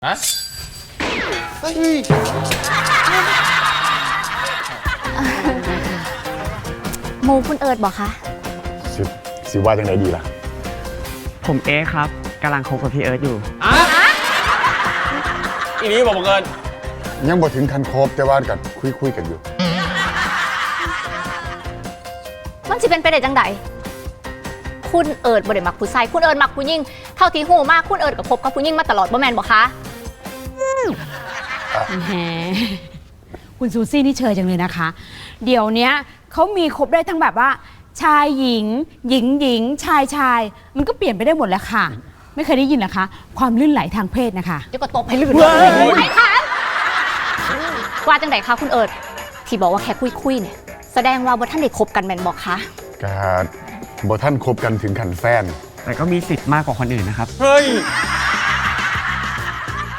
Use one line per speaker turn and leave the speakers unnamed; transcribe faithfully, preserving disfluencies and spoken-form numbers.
ฮะเฮ้ย
โมคุณเอิร์ดบอกคะ
สิสิว่าจังไดดีล่ะ
ผมเอ๊ครับกำลังคบกับพี่เอิร์ธอยู่
อ่ะอีนี้บอกบังเอิญ
ยังบ่ถึงคันครบแต่ว่ากัคุยคุยกันอยู่
มันจะเป็นไปได้จังใดคุณเอิร์ดบ่ได้มักผู้ชายคุณเอิร์ดมักผู้หญิงเท่าที่หูมากคุณเอิร์ดกับคบกับผู้หญิงมาตลอดบ่แม่นบ่คะ
แหมคุณซูซี่นี่เชยจังเลยนะคะเดี๋ยวนี้เขามีครบได้ทั้งแบบว่าชายหญิงหญิงหญิงชายชายมันก็เปลี่ยนไปได้หมดแล้วค่ะไม่เคยได้ยินนะคะความลื่นไหลทางเพศนะคะ
เดี๋ยวก็ตบให้ลื่นเลยไม่ค่ะว่าจังใดคะคุณเอิร์ดที่บอกว่าแค่คุยคุยเนี่ยแสดงว่าบ่ท่านได้คบกันแม่นบอกคะ
ก็บ่ท่านคบกันถึงขันแฟน
แต่ก็มีสิทธิ์มากกว่าคนอื่นนะครับ
เฮ้ย